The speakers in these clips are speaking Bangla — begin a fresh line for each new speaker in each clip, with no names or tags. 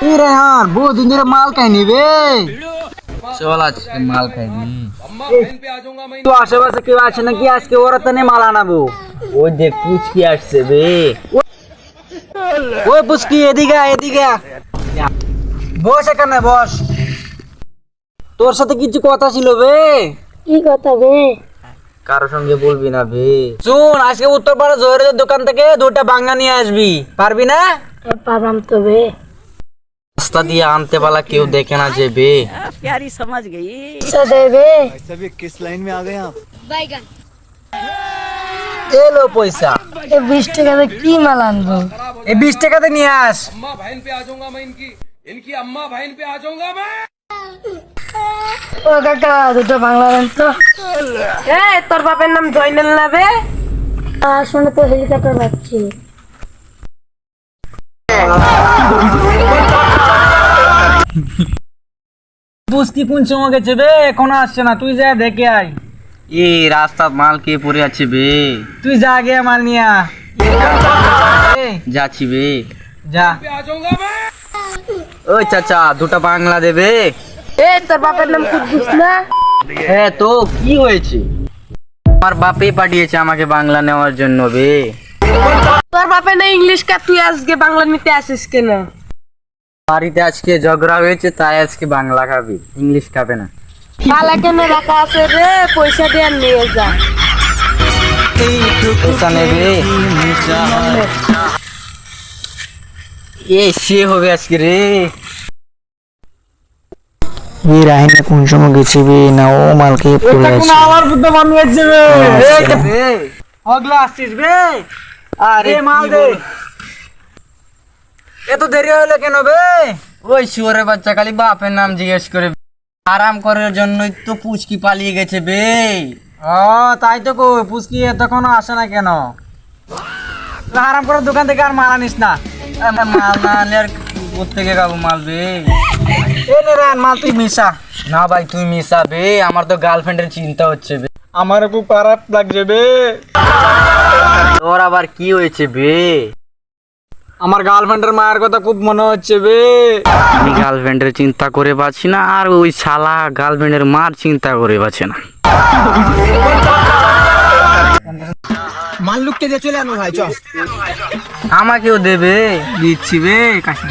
रेहान बहुत दिन धरे माल खाइनी बे
চল আজকে মাল খাইনি।
তো আশেপাশে কেউ আছে নাকি আজকে ওরা তো মাল আনাবো
ওই দেখ পুচকি আসছে বে।
ওই পুচকি এদিকে এদিকে বস এখানে বস তোর সাথে কিছু কথা ছিল বে
কি কথা বে?
কারোর সঙ্গে বলবি না বে।
শুন আজকে উত্তরপাড়া জহিরের দোকান থেকে দুটা বাঙ্গা নিয়ে আসবি পারবি না
পারাম তো বে।
রাস্তা দিয়ে আনতে পালা কেউ দেখে না যে বে।
আচ্ছা দে বে।
এলো পয়সা
এ 20 টাকাতে কি মাল আনবো?
এই 20 টাকাতে নিয়ে আস
अम्मा बहन पे आ जाऊंगा मैं इनकी अम्मा बहन पे आ जाऊंगा मैं।
ও কাকা দুটো বাংলা দেন তো।
তোর বাপের নাম জয়নাল না বে?
শুনে তো হেলিকপ্টার পাচ্ছি।
পুচকি কোন সময় গেছে বে এখনো আসছে না তুই যা দেখে আয়
এই রাস্তা মাল কে পড়ে আছে বে।
তুই যা আগে মাল নিয়ে আ
যাচ্ছি বে।
যা
पे आ जाऊंगा मैं।
ওই চাচা দুটো বাংলা দেবে।
তোর বাপের নাম কুদ্দুস না?
হ্যাঁ তো কি হয়েছে? আমার বাপে পাঠিয়েছে আমাকে বাংলা নেওয়ার জন্য বে।
তোর বাপের না ইংলিশ কা, তুই আজকে বাংলা নিতে আসিস কেন?
বাড়িতে আজকে ঝগড়া হয়েছে তাই আজকে বাংলা খাবি, ইংলিশ খাবে না।
কালা কেন রাখা আছে রে? পয়সা দিয়ে নিয়ে যা।
পয়সা নেবে? এ সে হবে আজকে রে।
এই রাহিনা কোন সময় গেছে বে না ও মালকে পড়ে আছে আমার বুদ্ধ মামি আছে বে এই হগলা আসছিস বে আরে মাল দে এত দেরি হলো কেন বে
ওই শুয়োরের বাচ্চা খালি বাপের নাম জিজ্ঞেস করে। আরাম করার জন্যই তো পুচকি পালিয়ে গেছে বে।
ও তাই তো কই পুচকি এতক্ষণ আসে না কেন আরাম করে দোকান থেকে আর মাল আনিস না
মাল না আনলে আর কোত্থেকে খাবো মাল বে।
এ নে রান মাল তুই মিশা
না ভাই তুই মিশাবে, আমার তো গার্লফ্রেন্ডের চিন্তা হচ্ছে বে।
আমার খুব খারাপ লাগছে বে
তোর আবার কি হয়েছে বে?
আমার গার্লফ্রেন্ডের মায়ের কথা খুব মনে হচ্ছে বে
আমি গার্লফ্রেন্ডের চিন্তা করে পাচ্ছি না আর ওই শালা গার্লফ্রেন্ডের মার চিন্তা করে পাচ্ছে না।
মাল লুককে দিয়ে চলে আনো ভাই চল
আমাকেও দেবে?
দিচ্ছি বে কাছে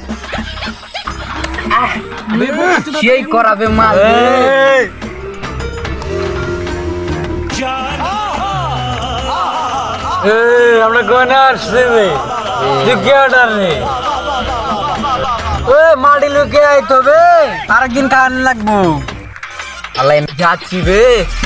সেই করাবে মাল বে।
আমরা কোন আসছে বে লুকে অর্ডার রে ওই মাটি লুকে আইতো বে আরেকদিন খাওয়ান লাগবো
আল্লাহ যাচ্ছি বে।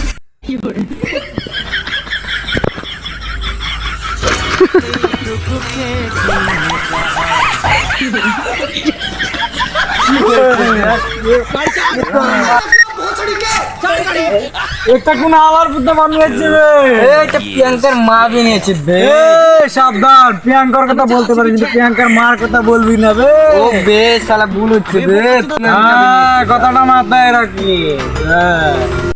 একটা কোন আলার বুদ্ধ মামি আছে বে
এইটা প্রিয়াঙ্কার মা বিনিয়েছে বে।
সাবধান প্রিয়াঙ্কার কথা বলতে পারি কিন্তু প্রিয়াঙ্কার মার কথা বলবি না বে
ও বে শালা ভুল হচ্ছে বে।
কথাটা মাথায় রাখি